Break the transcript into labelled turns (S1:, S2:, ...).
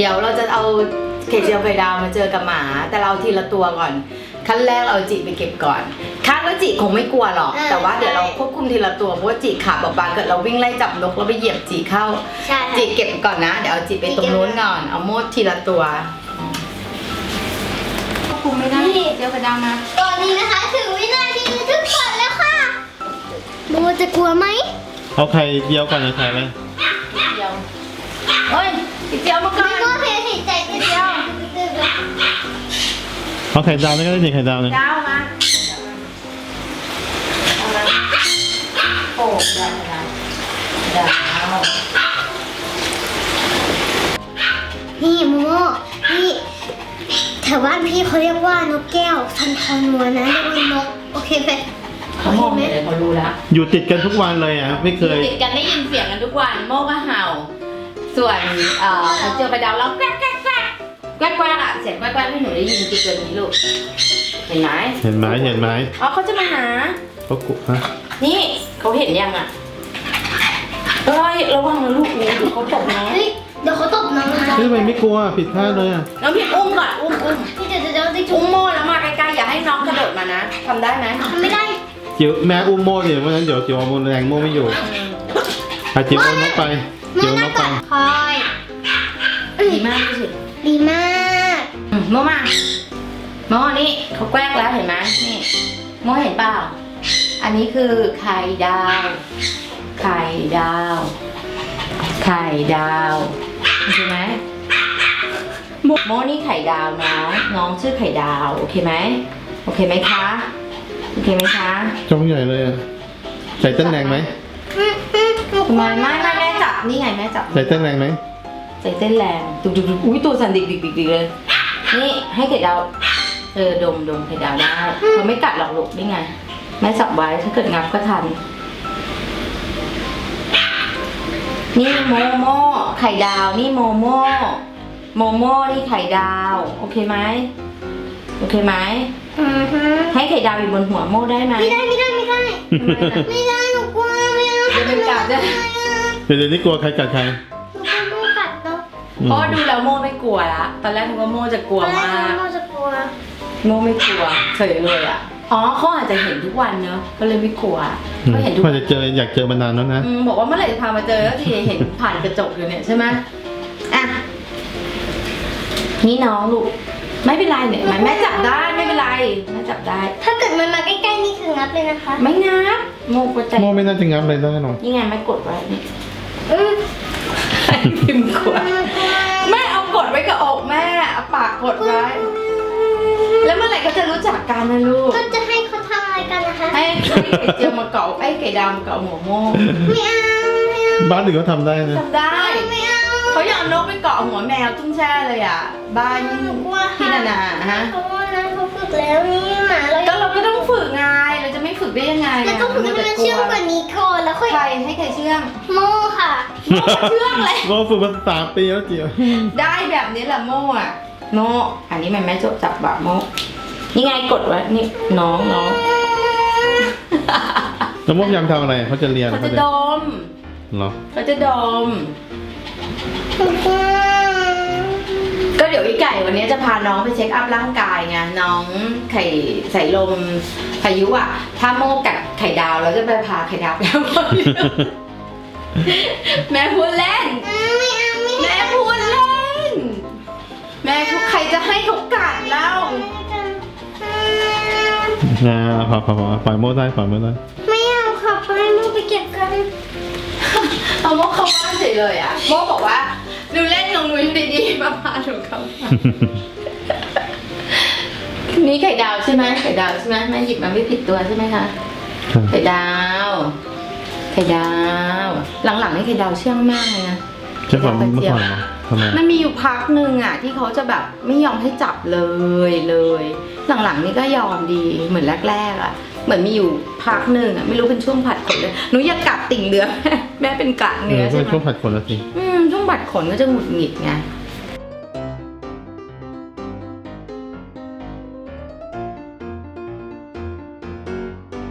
S1: ดี๋ยวเราจะเอาไข่เจียวไข่ดาวมาเจอกับหมาแต่เราทีละตัวก่อนขั้นแรกเราจิไปเก็บก่อนคาดว่าจิคงไม่กลัวหรอกแต่ว่าเดี๋ยวเราควบคุมทีละตัวเพราะว่าจิขาบางๆเกิดเราวิ่งไล่จับนกแล้วไปเหยียบจิเข้าจิเก็บก่อนนะเดี๋ยวเอาจิไปตรงนู้นก่อนเอาโมดทีละตัวควบคุมไม่ได้เจียวไข่ดาวมา
S2: ตอนนี้นะคะถึงวินาทีทุกคนแล้วค่ะโบจะกลัวไหม
S3: เอาไข่เจียวก่อนนะไข่ไหม
S1: เจียวเฮ้ยเจียวมาก่อน
S2: โบเพลย์ใจเจียว
S3: เอาไข่ดาวนี่ก็ได้ดิไข่ดาวเลย
S1: ดาวมาโอ้ได้ดาว
S2: นี่โมนี่แถวบ้านพี่เขาเรียกว่านกแก้วทันทอนัวนะเรียกว่านกโอเคไหม
S1: เขามองเลยเขารู้แล้ว
S3: อยู่ติดกันทุกวันเลยอ่ะไม่เคย
S1: ติดกันได้ยินเสียงกันทุกวันโมก็เห่าส่วนเขาเจอไปดาวแล้วแกล้งอ่ะเสียงแกล้งให้หนูได้ยินกี่ตัวนี้ลูกเห็นไหมอ๋อเขาจะมาหา
S3: เขากุฮะ
S1: นี่เขาเห็นยังอ่ะเอ้ยระวังนะลูกเดี๋ยวเขาตบน้อง
S2: เดี๋ยวเขาตบน้องนะ
S3: พี่ไม่กลัวผิดพลาดเลยอ่ะ
S1: น้องพี่อุ้มก่อนอุ้ม
S2: พี่เดี๋ยว
S1: อุ้มโม่แล้วมาใกล้ๆอย่าให้น้องกระโดดมานะทำได้ไหม
S2: ทำไม่ได้
S3: จิ๋วแม่อุ้มโม่ดิเพราะฉะนั้นเดี๋ยวจิ๋วเอาโม่แรงโม่ไม่อยู่จิ๋วเอานกไปจิ๋วนกไป
S2: คอย
S1: ดีมากที่สุด
S2: ดีมาก
S1: โม่มาโม่นี่เขาแกล้งแล้วเห็นไหมนี่โม่เห็นเปล่าอันนี้คือไข่ดาวเห็นไหมโม่นี่ไข่ดาวน้องชื่อไข่ดาวโอเคไหมคะ
S3: จ้องใหญ่เลยอ่ะใส่เต้นแรงไหม
S1: ทำไมไม่แม่จับนี่ไงแม่จับ
S3: ใส่เต้นแรงไหม
S1: ใส่เต้นแรงดุอุ้ยตัวสั่นดิกเลยนี่ให้ไข่ดาวดมไข่ดาวได้เขาไม่กัดหรอกลูกนี่ไงแม่จับไว้ถ้าเกิดงับก็ทันนี่โมโม่ไข่ดาวนี่โมโม่นี่ไข่ดาวโอเคไหมให้ไข่ดาวอยู่บนหัวโม่ได้ไหม
S2: ไม่ได้หนูกลัวไม่เอา
S1: จะเป็นกัดจะ
S3: เดี๋ยวนี้กลัวใครกัดใคร
S2: หนูกลัวโม่กัดเนาะ
S1: เพราะดูแล้วโม่ไม่กลัวละตอนแรกนึกว่าโม่จะกลัวมากโม่ไม่กลัวเฉยเลยอ่ะอ๋อเขาอาจจะเห็นทุกวันเนอะก็เลยไม่กลัวเขาเห็นทุกวัน
S3: จะเจออยากเจอมานานแล้วนะ
S1: บอกว่าเมื่อไหร่จะพามาเจอแล้วทีเห็นผ่านกระจกอยู่เนี่ยใช่ไหมอ่ะนี่น้องลูกไม่เป็นไรเนี่ยแม่จับได้ไม่เป็นไรแม่จับได้
S2: ถ้าเกิดมันมาใกล้ๆนี่คืองับเลยนะคะ
S1: ไม่งับโมกใจ
S3: โมไม่น่าจะงับเลยได้หรอก
S1: นี่ไงแม่กดไว้นี่พิมพ์กดแม่เอากดไว้กับอกแม่เอาปากกดไว้แล้วเมื่อไหร่เขาจะรู้จักกันนะลูก
S2: ก็จะให้เขาทำอะไรกันนะคะ
S1: ให้ไข่เจียวมาเกาะไอ้ไก่ดำมาเกาะหัวโม่
S2: ไม่เอา
S3: บ้านอื่นก็ทำได้นะ
S1: ทำได้เขาอยากนกไปเกาะหัวแมวตุ้งแช่เลยอ่ะบ้านพี่นาฮะ
S2: เพราะว่านั้นเขาฝึกแล้วนี่หมา
S1: ก็เราก็ต้องฝึกไงเราจะไม่ฝึกได้ยังไง
S2: แล้วก็ฝึกให้มันเชื่องกว่านี้ก่อนแล้วค่อย
S1: ใครให้ใครเชื่อง
S2: โม่ค่ะ
S1: โม่เชื่องเลย
S3: โม่ฝึกมา3 ปีแล้วเจียว
S1: ได้แบบนี้แหละโม่อะโม่อันนี้แม่จับแบบโม่นี่ไงกดไว้นี่น้อง
S3: แล้วโม่พยายามทำอะไรเขาจะเรียน
S1: เขาจะดม
S3: เหรอ
S1: เขาจะดมก็เดี๋ยวอีไก่วันนี้จะพาน้องไปเช็คอัพร่างกายไงน้องไข่ใส่ลมพายุอ่ะถ้าโม่กัดไข่ดาวเราจะไปพาไข่ดาวไปเอาแม่พูดเล่นแม่พูดเล่นแม่พูดใครจะให้เขากัดเล่า
S3: พอปล่อยโม่ได้
S2: ไม่เอาค่ะไปโม่ไปเก็บกัน
S1: เอาโม่เข้าบ้านเฉยเลยอ่ะโม่บอกว่าดูเล่นของนุ้ยดีๆมาพาหนูเข้านี่ไข่ดาวใช่ไหมแม่หยิบมาไม่ผิดตัวใช่ไหมคะไข่ดาวหลังๆนี่ไข่ดาวเชื่องมากเลยนะ
S3: เชื่องกว่าเมื่อก่อนเหรอ
S1: มันมีอยู่พักหนึ่งอ่ะที่เขาจะแบบไม่ยอมให้จับเลยหลังๆนี่ก็ยอมดีเหมือนแรกๆอ่ะเหมือนมีอยู่พักหนึ่งอ่ะไม่รู้เป็นช่วงผัดขนเลยหนูอยากกัดติ่งเนื้อแม่เป็นกะเนื้อใช่ไหม
S3: ช่วงผัดขนแล้วสิ
S1: ช่วงผัดขนก็จะหงุดหงิดไง